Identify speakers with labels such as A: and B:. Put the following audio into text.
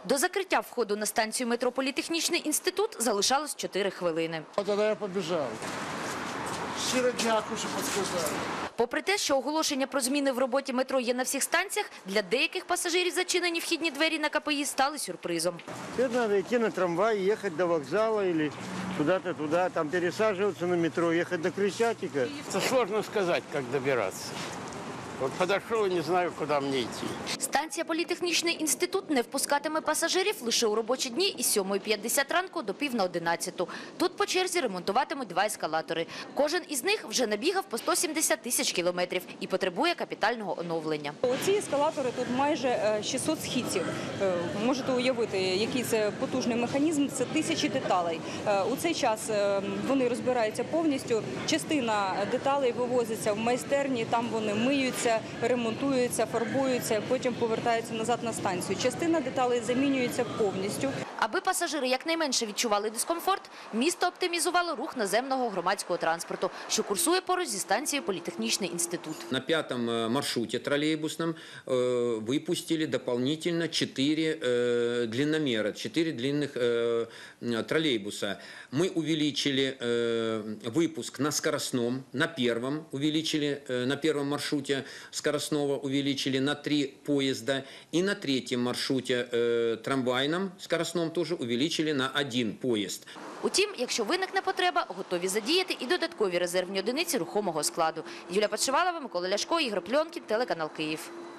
A: До закриття входу на станцію метро «Політехнічний інститут» залишалось 4 хвилини.
B: Тоді я побіжав. Щиро дякую, що підказали.
A: Попри те, що оголошення про зміни в роботі метро є на всіх станціях, для деяких пасажирів зачинені вхідні двері на КПІ стали сюрпризом.
C: Теперь надо идти на трамвай, ехать до вокзала или куда-то туда, там пересаживаться на метро, ехать до Крещатика.
D: Это сложно сказать, как добираться. Вот подошел и не знаю, куда мне идти.
A: Станція «Політехнічний інститут» не впускатиме пасажирів лише у робочі дні із 7:50 ранку до 10:50. Тут по черзі ремонтуватимуть 2 ескалатори. Кожен із них вже набігав по 170 тисяч кілометрів і потребує капітального оновлення.
E: Ці ескалатори тут майже 600 східців. Можете уявити, який це потужний механізм, це тисячі деталей. У цей час вони розбираються повністю, частина деталей вивозиться в майстерні, там вони миються, ремонтуються, фарбуються, потім повертаються назад на станцію. Частина деталей замінюється повністю.
A: Аби пасажири якнайменше відчували дискомфорт, місто оптимізувало рух наземного громадського транспорту, що курсує поруч зі станцією «Політехнічний інститут».
F: На 5-м маршруте троллейбусном выпустили дополнительно 4 длинномера, 4 длинных троллейбуса. Мы увеличили выпуск на скоростном, на первом увеличили, на первом маршруте скоростного увеличили на 3 поезда, и на 3-м маршруте трамвайном скоростном тоже увеличили на 1 поезд.
A: Утім, якщо виникне потреба, готові задіяти і додаткові резервні одиниці рухомого складу. Юлія Подшивалова, Микола Ляшко, Ігор Пльонкін, телеканал Київ.